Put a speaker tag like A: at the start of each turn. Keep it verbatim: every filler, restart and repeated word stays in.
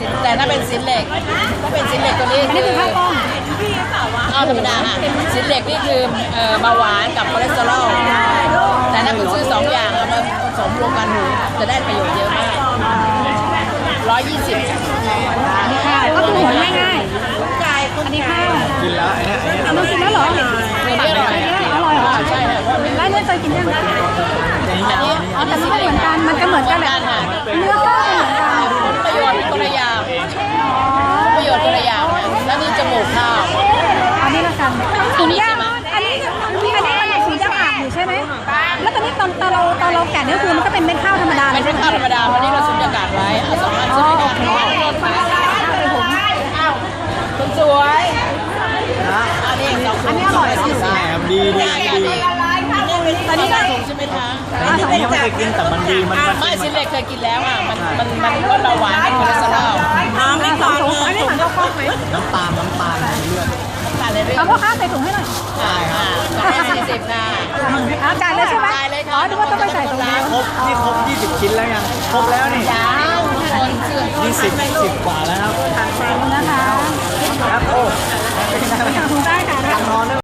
A: แต่ถ้าเป็นสินเหล็กถ้าเป็นสินเหล็กตัวนี้
B: อันนี้คือข้าวกล้อง
A: ข้าวธรรมดาค่ะสินเหล็กนี่คือเอ่อเบาหวานกับคอเลสเตอรอลแต่ถ้าคุณซื้อสองอย่างเอามาผสมรวมกันจะได้ประโยชน์เยอะมากร้อยยี่สิบ
B: นี่ข้าวก็คือหัวง่ายๆอันนี้ข้าว
C: กินแล้วไอ้เนี่ยไอ้เนี่ย
B: เอามากินแล้วเหรอ
A: เนื้ออร่อย
B: อร่อยเหรอ
A: ใช่ค่ะ
B: แล้วเนี่ยเคยกินยัง
A: อันนี้
B: อ๋อแต่มันก็เหมือนกันมันก็เหมือนกันแหละเนื้อก็เหมือนกัน
A: ประโยชน์เป็นคนละอย่างประโยชน์คนละอย่างแล้วนี่จมูกข้าว
B: อันนี้ละกันถุงย่างอันนี้อันนี้มันถุงย่างอ่างอยู่ใช่ไหมแล้วตอนนี้ตอนตอนเราตอนเราแกะนี่คือมันก็เป็นเม็ดข้าวธรรมดา
A: เป็นเป็นข้าวธรรมดาวันนี้เราสุญญากาศไว้เอาสองอัน
B: อ๋
A: สุ
B: อ
A: ญญา
B: โอก
A: าศ
B: เค
A: ไว้ คุณสวยอันนี้สอง
B: อันนี้อร่อย
A: สี่สิบ
C: ใช่ครับดีดีดี
A: ตอนนี้ได้ถุงใช่ไหมคะ
C: อันนี้ยังไม่เคยกินแต่มันดีมันมัน
A: ไม่สิเล็กเคยกินแล้วอ่ะมันมันมันลดเบาหวานเป็นคอเลสเตอรอล
B: น้ำไม่สองถุงอันนี้สั่งข้าวกล้องไหม
C: น้ำตาลน้ำตาลในเลือด
A: จ่ายเลย
B: เอาพ่อค้าใส่ถุงให้หน่อย
A: อ่าอ่าสี่สิบนะ
B: อ่าจ่ายเลยใช่ไหม
A: จ่ายเลยค่ะ
B: อ๋อนึกว่าต้องไปใส่ถุง
C: ครบนี่ครบยี่สิบชิ้นแล้วยังครบแล้วนี่
A: ยาวคนเสื่อม
C: นี่สิบสิบกว่าแล้วครับ
B: นะคะ
C: ครับโอ้
B: ถุงได้ค่ะ
C: นอนได้